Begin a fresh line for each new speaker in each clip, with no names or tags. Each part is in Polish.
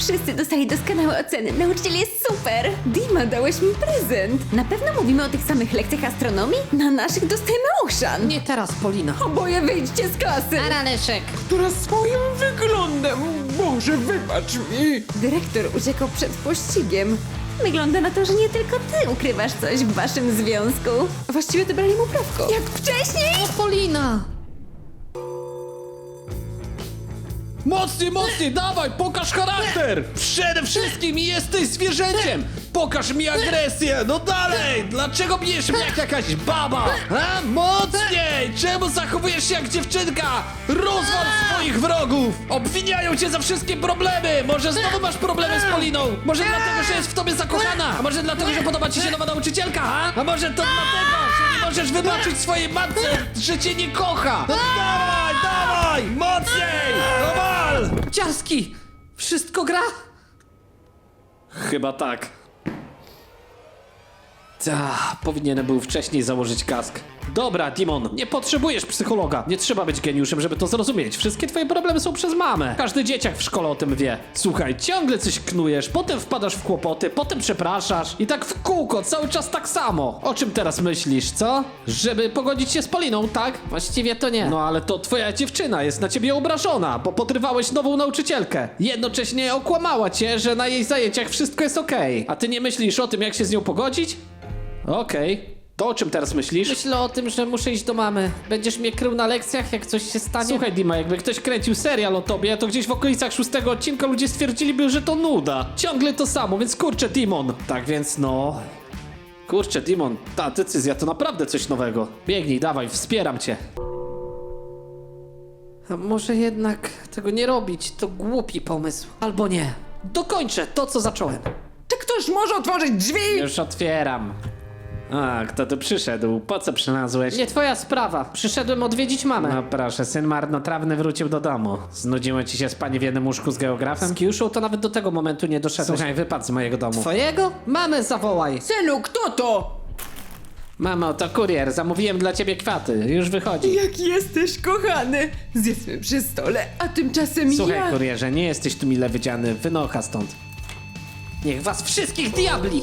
Wszyscy dostali doskonałe oceny. Nauczyciel jest super. Dima, dałeś mi prezent. Na pewno mówimy o tych samych lekcjach astronomii? Na naszych dostajemy oszan.
Nie teraz, Polina.
Oboje wyjdźcie z klasy.
Leszek.
Która swoim wyglądem. Boże, wybacz mi.
Dyrektor uciekał przed pościgiem. Wygląda na to, że nie tylko ty ukrywasz coś w waszym związku. Właściwie to brali mu prawko. Jak wcześniej?
Polina!
Mocniej, dawaj, pokaż charakter! Przede wszystkim jesteś zwierzęciem! Pokaż mi agresję, no dalej! Dlaczego bijesz mnie jak jakaś baba? A? Mocniej! Czemu zachowujesz się jak dziewczynka? Rozwal swoich wrogów! Obwiniają cię za wszystkie problemy! Może znowu masz problemy z Poliną? Może dlatego, że jest w tobie zakochana? A może dlatego, że podoba ci się nowa nauczycielka, a może to dlatego, że nie możesz wybaczyć swojej matce, że cię nie kocha? No dawaj! Mocniej! No wal!
Ciarski! Wszystko gra?
Chyba tak. Powinienem był wcześniej założyć kask. Dobra, Dimon, nie potrzebujesz psychologa. Nie trzeba być geniuszem, żeby to zrozumieć. Wszystkie twoje problemy są przez mamę. Każdy dzieciak w szkole o tym wie. Słuchaj, ciągle coś knujesz, potem wpadasz w kłopoty, potem przepraszasz. I tak w kółko, cały czas tak samo. O czym teraz myślisz, co? Żeby pogodzić się z Poliną, tak?
Właściwie to nie.
No ale to twoja dziewczyna jest na ciebie obrażona, bo podrywałeś nową nauczycielkę. Jednocześnie okłamała cię, że na jej zajęciach wszystko jest okej. A ty nie myślisz o tym, jak się z nią pogodzić? Okej. To o czym teraz myślisz?
Myślę o tym, że muszę iść do mamy. Będziesz mnie krył na lekcjach, jak coś się stanie?
Słuchaj, Dima, jakby ktoś kręcił serial o tobie, to gdzieś w okolicach 6 odcinka ludzie stwierdziliby, że to nuda. Ciągle to samo, więc kurczę, Dimon. Tak więc no... Kurczę, Dimon, ta decyzja to naprawdę coś nowego. Biegnij, dawaj, wspieram cię.
A może jednak tego nie robić? To głupi pomysł. Albo nie. Dokończę to, co zacząłem.
Czy ktoś może otworzyć drzwi?
Już otwieram. A, kto tu przyszedł? Po co przylazłeś?
Nie twoja sprawa. Przyszedłem odwiedzić mamę.
No proszę, syn marnotrawny wrócił do domu. Znudziło ci się spanie w jednym łóżku z geografem?
Z Kiuszą to nawet do tego momentu nie doszedłeś.
Słuchaj, wypadł z mojego domu.
Twojego? Mamę zawołaj.
Synu, kto to?
Mamo, to kurier, zamówiłem dla ciebie kwiaty. Już wychodzi.
Jak jesteś kochany. Zjedzmy przy stole, a tymczasem
Słuchaj,
ja...
kurierze, nie jesteś tu mile widziany. Wynocha stąd.
Niech was wszystkich diabli!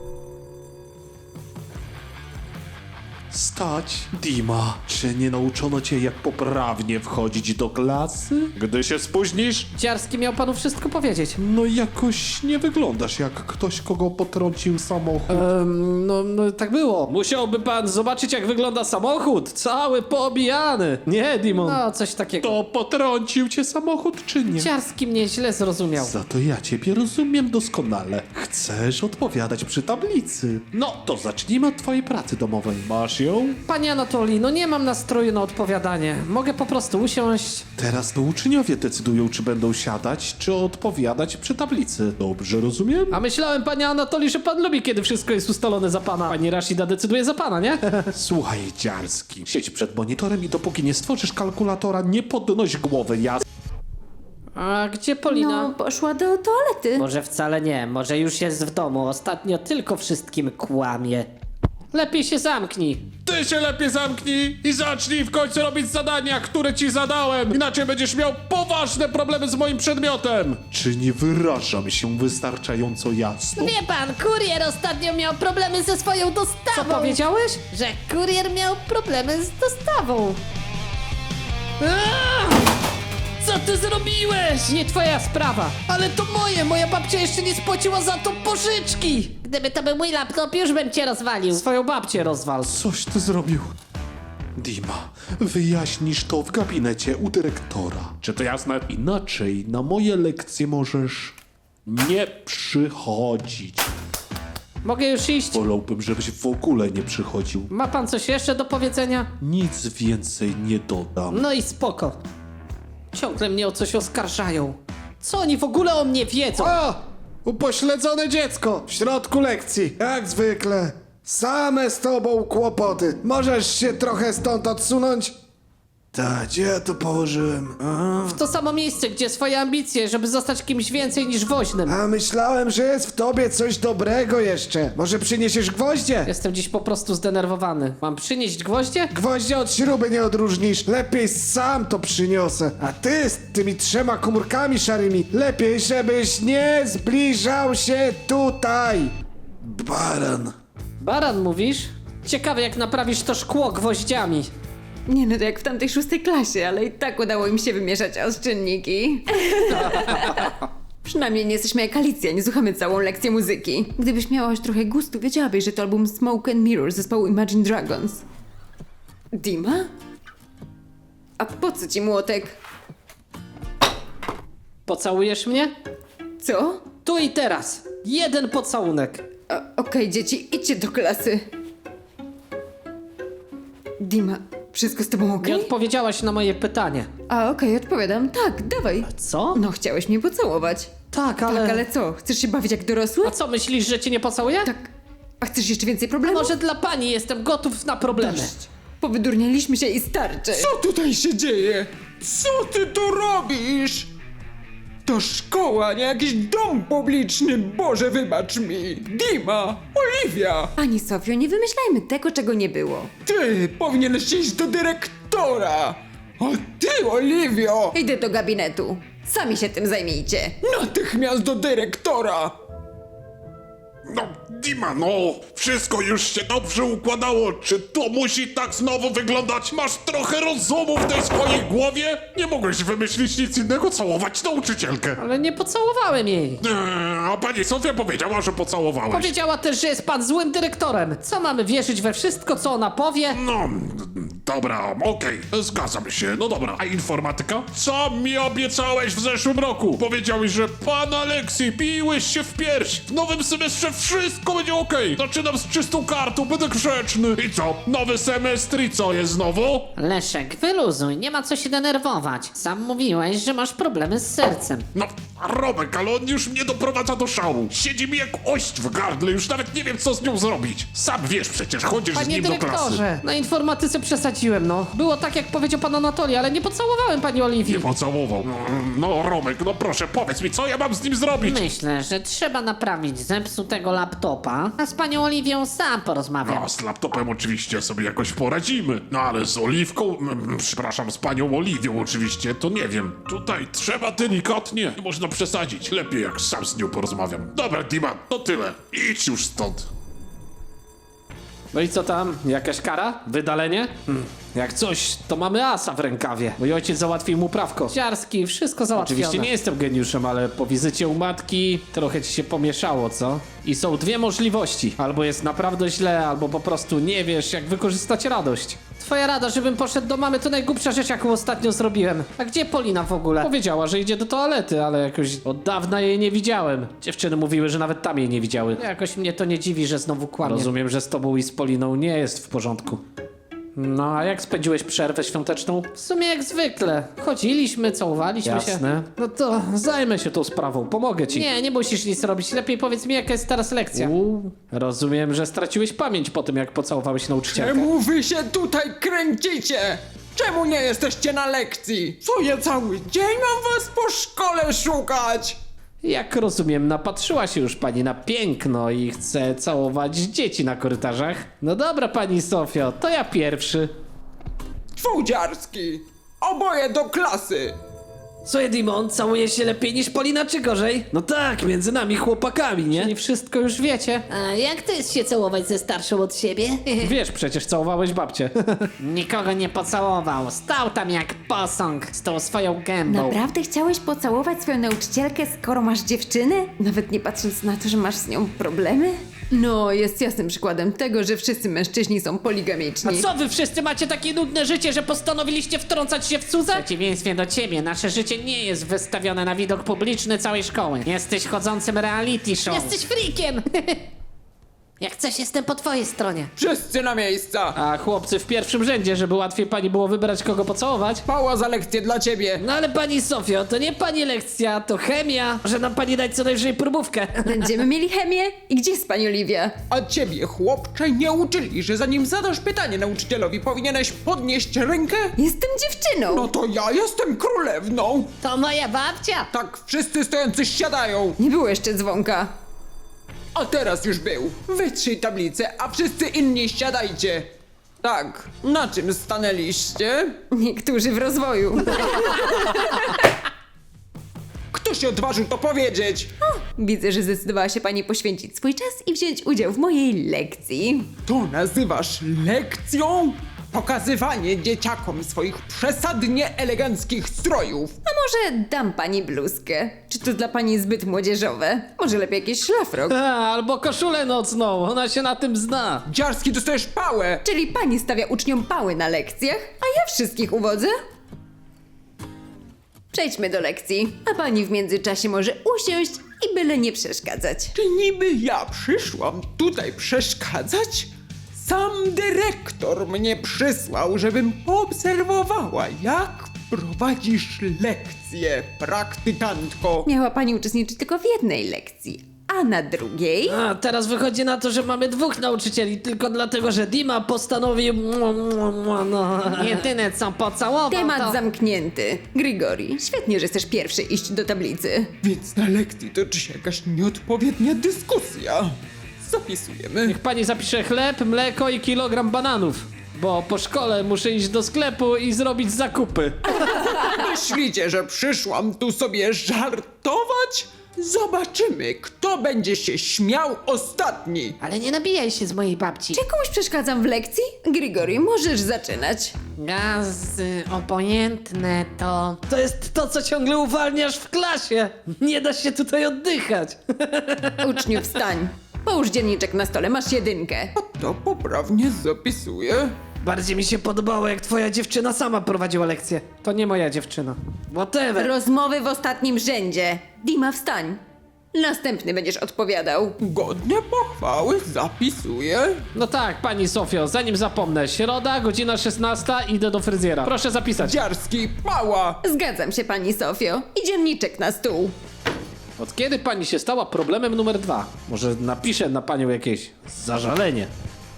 Stać, Dima. Czy nie nauczono cię, jak poprawnie wchodzić do klasy? Gdy się spóźnisz,
Ciarski miał panu wszystko powiedzieć.
no jakoś nie wyglądasz jak ktoś, kogo potrącił samochód.
No tak było.
Musiałby pan zobaczyć, jak wygląda samochód. Cały poobijany. Nie, Dimon.
No, coś takiego.
To potrącił cię samochód, czy nie?
Ciarski mnie źle zrozumiał.
Za to ja ciebie rozumiem doskonale. Chcesz odpowiadać przy tablicy. No, to zacznijmy od twojej pracy domowej. Masz ją?
Panie Anatolii, no nie mam nastroju na odpowiadanie. Mogę po prostu usiąść.
Teraz to uczniowie decydują, czy będą siadać, czy odpowiadać przy tablicy. Dobrze rozumiem?
A myślałem, panie Anatolii, że pan lubi, kiedy wszystko jest ustalone za pana. Pani Rashida decyduje za pana, nie?
Słuchaj, Dziarski, siedź przed monitorem i dopóki nie stworzysz kalkulatora, nie podnoś głowy,
A gdzie Polina?
No, poszła do toalety.
Może wcale nie, może już jest w domu. Ostatnio tylko wszystkim kłamie. Lepiej się zamknij.
Ty się lepiej zamknij i zacznij w końcu robić zadania, które ci zadałem, inaczej będziesz miał poważne problemy z moim przedmiotem. Czy nie wyrażam się wystarczająco jasno?
Wie pan, kurier ostatnio miał problemy ze swoją
Co
dostawą.
powiedziałeś?
Że kurier miał problemy z dostawą.
Co ty zrobiłeś? Nie twoja sprawa. Ale to moja babcia jeszcze nie spłaciła za to pożyczki.
Gdyby to był mój laptop, już bym cię rozwalił.
Swoją babcię rozwal.
Coś ty zrobił. Dima, wyjaśnisz to w gabinecie u dyrektora. Czy to jasne? Inaczej na moje lekcje możesz nie przychodzić.
Mogę już iść?
Wolałbym, żebyś w ogóle nie przychodził.
Ma pan coś jeszcze do powiedzenia?
Nic więcej nie dodam.
No i spoko. Ciągle mnie o coś oskarżają. Co oni w ogóle o mnie wiedzą?
O! Upośledzone dziecko w środku lekcji. Jak zwykle. Same z tobą kłopoty. Możesz się trochę stąd odsunąć? Tak, gdzie ja to położyłem?
W to samo miejsce, gdzie swoje ambicje, żeby zostać kimś więcej niż woźnym.
A myślałem, że jest w tobie coś dobrego jeszcze. Może przyniesiesz gwoździe?
Jestem dziś po prostu zdenerwowany. Mam przynieść gwoździe?
Gwoździe od śruby nie odróżnisz. Lepiej sam to przyniosę. A ty z tymi 3 komórkami szarymi, lepiej żebyś nie zbliżał się tutaj. Baran.
Baran mówisz? Ciekawe jak naprawisz to szkło gwoździami.
Nie no, to jak w tamtej 6. klasie, ale i tak udało im się wymieszać oszczędniki. Przynajmniej nie jesteśmy jak Alicja, nie słuchamy całą lekcję muzyki. Gdybyś miała już trochę gustu, wiedziałabyś, że to album Smoke and Mirror zespołu Imagine Dragons. Dima? A po co ci młotek?
Pocałujesz mnie?
Co?
Tu i teraz. 1 pocałunek.
Okej, dzieci, idźcie do klasy. Dima, wszystko z tobą
Nie
okej?
odpowiedziałaś na moje pytanie.
A okej, odpowiadam. Tak, dawaj.
Co?
No, chciałeś mnie pocałować.
Tak, ale...
Tak, ale co? Chcesz się bawić jak dorosły?
A co, myślisz, że cię nie pocałuję?
Tak. A chcesz jeszcze więcej problemów?
Może dla pani jestem gotów na problemy.
Dość. Powydurnialiśmy się i starczy.
Co tutaj się dzieje? Co ty tu robisz? To szkoła, nie jakiś dom publiczny, Boże wybacz mi. Dima, Oliwia,
Pani Sofio, nie wymyślajmy tego, czego nie było.
ty powinieneś iść do dyrektora. A ty, Oliwio,
Idę do gabinetu. Sami się tym zajmijcie.
natychmiast do dyrektora.
No, Dima, no, wszystko już się dobrze układało. Czy to musi tak znowu wyglądać? Masz trochę rozumu w tej swojej głowie? Nie mogłeś wymyślić nic innego, całować nauczycielkę.
Ale nie pocałowałem jej.
A pani Sofia powiedziała, że pocałowałeś.
Powiedziała też, że jest pan złym dyrektorem. Co mamy wierzyć we wszystko, co ona powie?
No, dobra, okej, zgadzam się. No dobra, a informatyka? Co mi obiecałeś w zeszłym roku? Powiedziałeś, że pan Aleksji, piłeś się w pierś. W nowym semestrze wszystko będzie okej. Zaczynam z czystą kartą, będę grzeczny. I co, nowy semestr i co jest znowu?
Leszek, wyluzuj, nie ma co się denerwować. Sam mówiłeś, że masz problemy z sercem.
No, Romek, ale on już mnie doprowadza do szału. Siedzi mi jak ość w gardle, już nawet nie wiem, co z nią zrobić. Sam wiesz przecież, chodzisz z
Panie
nim do klasy.
dyrektorze, na informatyce przesadziłem, no. Było tak, jak powiedział pan Anatolii, ale nie pocałowałem pani Oliwii.
Nie pocałował. No, Romek, no proszę, powiedz mi, co ja mam z nim zrobić?
Myślę, że trzeba naprawić zepsutego laptopa, a z panią Oliwią sam porozmawiam.
No, z laptopem oczywiście sobie jakoś poradzimy. No ale z Oliwką, przepraszam, z panią Oliwią oczywiście, to nie wiem. Tutaj trzeba delikatnie, nie można przesadzić. Lepiej jak sam z nią porozmawiam. Dobra, Dima, to tyle. Idź już stąd.
No i co tam? Jakaś kara? Wydalenie? Jak coś, to mamy asa w rękawie. Mój ojciec załatwił mu prawko. Ciarski, wszystko załatwione. Oczywiście nie jestem geniuszem, ale po wizycie u matki trochę ci się pomieszało, co? I są 2 możliwości. Albo jest naprawdę źle, albo po prostu nie wiesz, jak wykorzystać radość. Twoja rada, żebym poszedł do mamy, to najgłupsza rzecz, jaką ostatnio zrobiłem. A gdzie Polina w ogóle? Powiedziała, że idzie do toalety, ale jakoś od dawna jej nie widziałem. Dziewczyny mówiły, że nawet tam jej nie widziały. Jakoś mnie to nie dziwi, że znowu kłamie. Rozumiem, że z tobą i z Poliną nie jest w porządku. No, a jak spędziłeś przerwę świąteczną? W sumie jak zwykle. Chodziliśmy, całowaliśmy się. Jasne. No to zajmę się tą sprawą, pomogę ci. Nie, nie musisz nic robić. Lepiej powiedz mi, jaka jest teraz lekcja. Rozumiem, że straciłeś pamięć po tym, jak pocałowałeś nauczycielkę.
Czemu wy się tutaj kręcicie? Czemu nie jesteście na lekcji? Co ja cały dzień mam was po szkole szukać?
Jak rozumiem, napatrzyła się już pani na piękno i chce całować dzieci na korytarzach? No dobra, pani Sofio, to ja pierwszy.
Twójdziarski, oboje do klasy.
Co, Dimon, całuje się lepiej niż Polina, czy gorzej? No tak, między nami chłopakami, nie? Czyli wszystko już wiecie.
A jak to jest się całować ze starszą od siebie?
Wiesz, przecież całowałeś babcię.
Nikogo nie pocałował, stał tam jak posąg z tą swoją gębą.
Naprawdę chciałeś pocałować swoją nauczycielkę, skoro masz dziewczynę? Nawet nie patrząc na to, że masz z nią problemy? No, jest jasnym przykładem tego, że wszyscy mężczyźni są
A
poligamiczni.
co wy wszyscy macie takie nudne życie, że postanowiliście wtrącać się w cudze?
W przeciwieństwie do ciebie, nasze życie nie jest wystawione na widok publiczny całej szkoły. Jesteś chodzącym reality show.
Jesteś freakiem!
Jak coś, jestem po twojej stronie.
Wszyscy na miejsca!
A chłopcy w pierwszym rzędzie, żeby łatwiej pani było wybrać kogo pocałować.
Pała za lekcję dla ciebie!
No ale pani Sofio, to nie pani lekcja, to chemia. Może nam pani dać co najwyżej próbówkę.
Będziemy mieli chemię? I gdzie jest pani Oliwia?
A ciebie, chłopcze, nie uczyli, że zanim zadasz pytanie nauczycielowi, powinieneś podnieść rękę?
Jestem dziewczyną.
No to ja jestem królewną!
To moja babcia.
Tak, wszyscy stojący siadają!
Nie było jeszcze dzwonka.
A teraz już był. Wytrzyj tablicę, a wszyscy inni siadajcie. Tak, na czym stanęliście?
Niektórzy w rozwoju.
Kto się odważył to powiedzieć?
Widzę, że zdecydowała się pani poświęcić swój czas i wziąć udział w mojej lekcji.
To nazywasz lekcją? Pokazywanie dzieciakom swoich przesadnie eleganckich strojów.
A może dam pani bluzkę? Czy to dla pani zbyt młodzieżowe? Może lepiej jakiś szlafrok?
Albo koszulę nocną, ona się na tym zna.
Dziarski, dostajesz pałę!
Czyli pani stawia uczniom pały na lekcjach, a ja wszystkich uwodzę? Przejdźmy do lekcji, a pani w międzyczasie może usiąść i byle nie przeszkadzać.
Czy niby ja przyszłam tutaj przeszkadzać? Sam dyrektor mnie przysłał, żebym poobserwowała, jak prowadzisz lekcje, praktykantko.
Miała pani uczestniczyć tylko w jednej lekcji, a na drugiej...
A teraz wychodzi na to, że mamy dwóch nauczycieli, tylko dlatego, że Dima postanowił... No. Jedyne co pocałował
Temat zamknięty. Grigori, świetnie, że chcesz pierwszy iść do tablicy.
Więc na lekcji toczy się jakaś nieodpowiednia dyskusja. Zapisujemy.
Niech pani zapisze chleb, mleko i kilogram bananów. Bo po szkole muszę iść do sklepu i zrobić zakupy.
Myślicie, że przyszłam tu sobie żartować? Zobaczymy, kto będzie się śmiał ostatni.
Ale nie nabijaj się z mojej babci.
Czy komuś przeszkadzam w lekcji? Grigori, możesz zaczynać.
Gazy obojętne to... To jest to, co ciągle uwalniasz w klasie. Nie da się tutaj oddychać.
Uczniu, wstań. Połóż dzienniczek na stole, masz jedynkę.
To poprawnie zapisuję.
Bardziej mi się podobało, jak twoja dziewczyna sama prowadziła lekcję.
To nie moja dziewczyna.
Whatever.
Rozmowy w ostatnim rzędzie. Dima, wstań. Następny będziesz odpowiadał.
Godnie pochwały zapisuję.
No tak, pani Sofio, zanim zapomnę. Środa, godzina 16, idę do fryzjera. Proszę zapisać.
Dziarski, pała.
Zgadzam się, pani Sofio. I dzienniczek na stół.
Od kiedy pani się stała problemem numer 2? Może napiszę na panią jakieś zażalenie.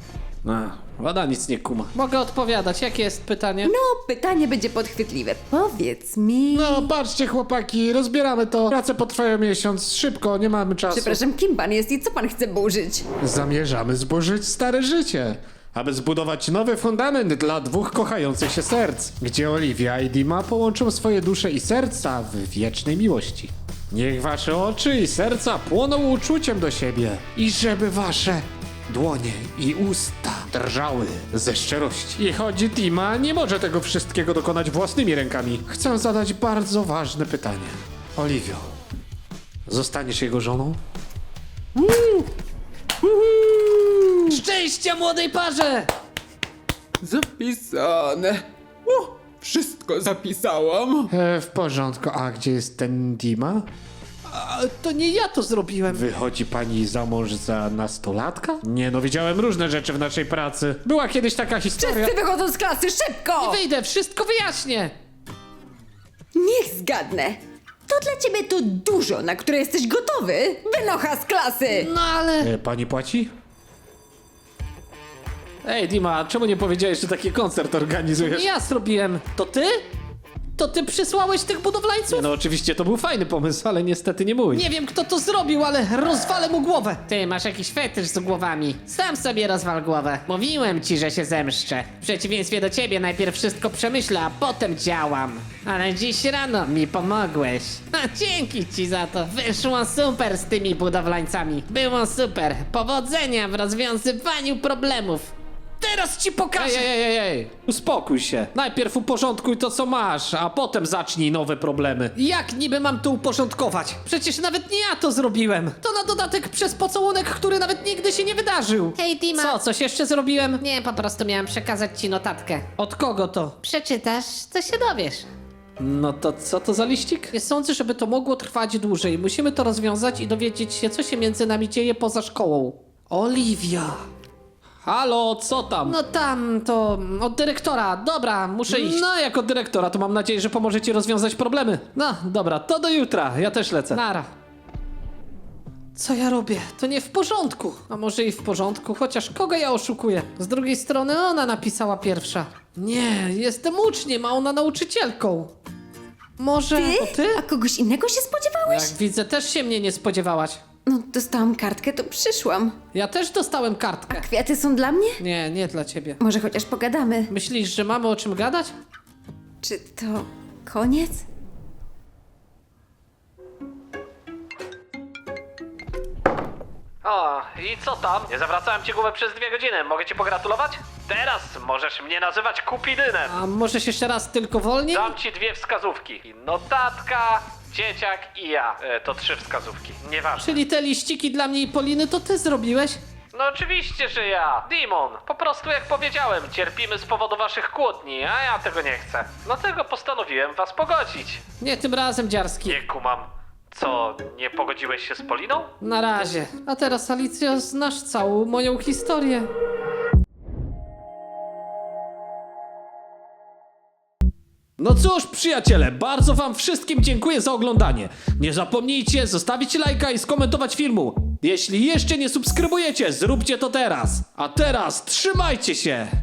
Woda nic nie kuma. Mogę odpowiadać, jakie jest pytanie?
No, pytanie będzie podchwytliwe. Powiedz mi...
No, patrzcie chłopaki, rozbieramy to. Prace potrwają miesiąc, szybko, nie mamy czasu.
Przepraszam, kim pan jest i co pan chce burzyć?
Zamierzamy zburzyć stare życie, aby zbudować nowy fundament dla dwóch kochających się serc, gdzie Oliwia i Dima połączą swoje dusze i serca w wiecznej miłości. Niech wasze oczy i serca płoną uczuciem do siebie i żeby wasze dłonie i usta drżały ze szczerości. I choć Dima nie może tego wszystkiego dokonać własnymi rękami, chcę zadać bardzo ważne pytanie. Oliwio, zostaniesz jego żoną?
Szczęścia młodej parze!
Zapisane. O, wszystko zapisałam.
W porządku, a gdzie jest ten Dima?
To nie ja to zrobiłem.
Wychodzi pani za mąż za nastolatka? Nie no, widziałem różne rzeczy w naszej pracy. Była kiedyś taka historia.
Wszyscy wychodzą z klasy, szybko!
Wyjdę, wszystko wyjaśnię.
Niech zgadnę. To dla ciebie to dużo, na które jesteś gotowy. Wynocha z klasy!
No ale...
Pani płaci?
Ej, Dima, czemu nie powiedziałeś, że taki koncert organizujesz?
Nie ja zrobiłem. To ty? To ty przysłałeś tych budowlańców?
No oczywiście to był fajny pomysł, ale niestety nie mój.
Nie wiem, kto to zrobił, ale rozwalę mu głowę. Ty masz jakiś fetysz z głowami. Sam sobie rozwal głowę. Mówiłem ci, że się zemszczę. W przeciwieństwie do ciebie najpierw wszystko przemyślę, a potem działam. Ale dziś rano mi pomogłeś. Dzięki ci za to. Wyszło super z tymi budowlańcami. Było super. Powodzenia w rozwiązywaniu problemów. Teraz ci pokażę.
Ej, uspokój się. Najpierw uporządkuj to, co masz, a potem zacznij nowe problemy.
Jak niby mam to uporządkować? Przecież nawet nie ja to zrobiłem. To na dodatek przez pocałunek, który nawet nigdy się nie wydarzył.
Hej, Dima.
Co, coś jeszcze zrobiłem?
Nie, po prostu miałam przekazać ci notatkę.
Od kogo to?
Przeczytasz, to się dowiesz.
No to co to za liścik?
Nie sądzę, żeby to mogło trwać dłużej. Musimy to rozwiązać i dowiedzieć się, co się między nami dzieje poza szkołą. Oliwia.
Halo, co tam?
No tam to od dyrektora. Dobra, muszę iść.
No, jako dyrektora, to mam nadzieję, że pomoże ci rozwiązać problemy. No, dobra, to do jutra, ja też lecę.
Nara. Co ja robię? To nie w porządku. A może i w porządku, chociaż kogo ja oszukuję? Z drugiej strony ona napisała pierwsza. Nie, jestem uczniem, a ona nauczycielką. Może to ty?
A kogoś innego się spodziewałeś?
Jak widzę, też się mnie nie spodziewałaś.
No, dostałam kartkę, to przyszłam.
Ja też dostałem kartkę.
Kwiaty są dla mnie?
Nie, nie dla ciebie.
Może chociaż pogadamy.
Myślisz, że mamy o czym gadać?
Czy to koniec?
O, i co tam? Nie zawracałem ci głowę przez 2 godziny, mogę ci pogratulować? Teraz możesz mnie nazywać Kupidynem.
A możesz jeszcze raz tylko wolniej?
Dam ci 2 wskazówki. Notatka, dzieciak i ja. To 3 wskazówki, nieważne.
Czyli te liściki dla mnie i Poliny to ty zrobiłeś?
No oczywiście, że ja. Demon, po prostu jak powiedziałem, cierpimy z powodu waszych kłótni, a ja tego nie chcę. Dlatego postanowiłem was pogodzić.
Nie tym razem, Dziarski.
Nie kumam. Co, nie pogodziłeś się z Poliną?
Na razie. A teraz, Alicjo, znasz całą moją historię.
No cóż, przyjaciele, bardzo wam wszystkim dziękuję za oglądanie. Nie zapomnijcie zostawić lajka i skomentować filmu. Jeśli jeszcze nie subskrybujecie, zróbcie to teraz. A teraz trzymajcie się!